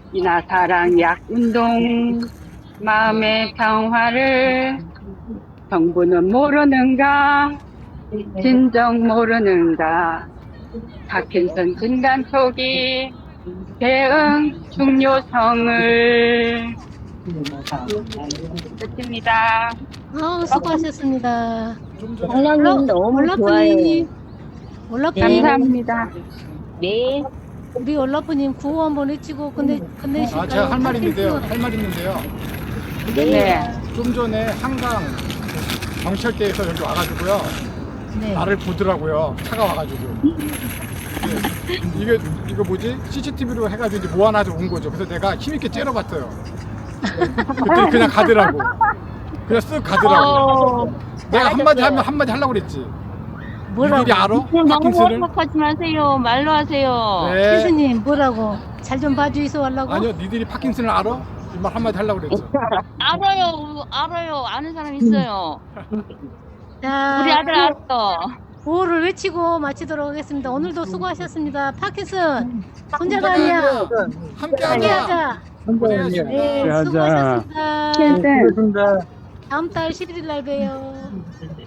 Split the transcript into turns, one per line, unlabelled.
이나 사랑 약 운동 마음의 평화를 정부는 모르는가 진정 모르는가 파킨슨 진단 초기 대응 중요성을 끝입니다.
수고하셨습니다.
장난님 너무 좋아요.
올라프님,
감사합니다.
네.
우리 올라프님 구호 한번 외치고 끝내실까요?
제가 할 말이 있는데요.
네.
좀 전에 한강 경찰대에서 여기 와가지고요.
네.
나를 보더라고요. 차가 와가지고. 이거 뭐지? CCTV로 해가지고 이제 모아놔서 온 거죠. 그래서 내가 힘있게 째려봤어요. 그때 그냥 가더라고. 그냥 쓱 가더라고. 내가 한마디 하면 한마디 하려고 그랬지.
뭐라고?
니들이 알아?
너무
파킨슨을?
원박하지 마세요. 말로 하세요.
네.
교수님 뭐라고? 잘 좀 봐주이소 하려고?
아니요, 니들이 파킨슨을 알아? 이 말 한마디 하려고 그랬지.
알아요. 아는 사람 있어요.
자,
우리 아들 알았어.
구호를 외치고 마치도록 하겠습니다. 오늘도 수고하셨습니다. 파킨슨 혼자가 아니야.
함께하자.
함께하자.
고생하셨습니다.
네, 수고하셨습니다.
캔슨
다음 달 11일 날 봬요.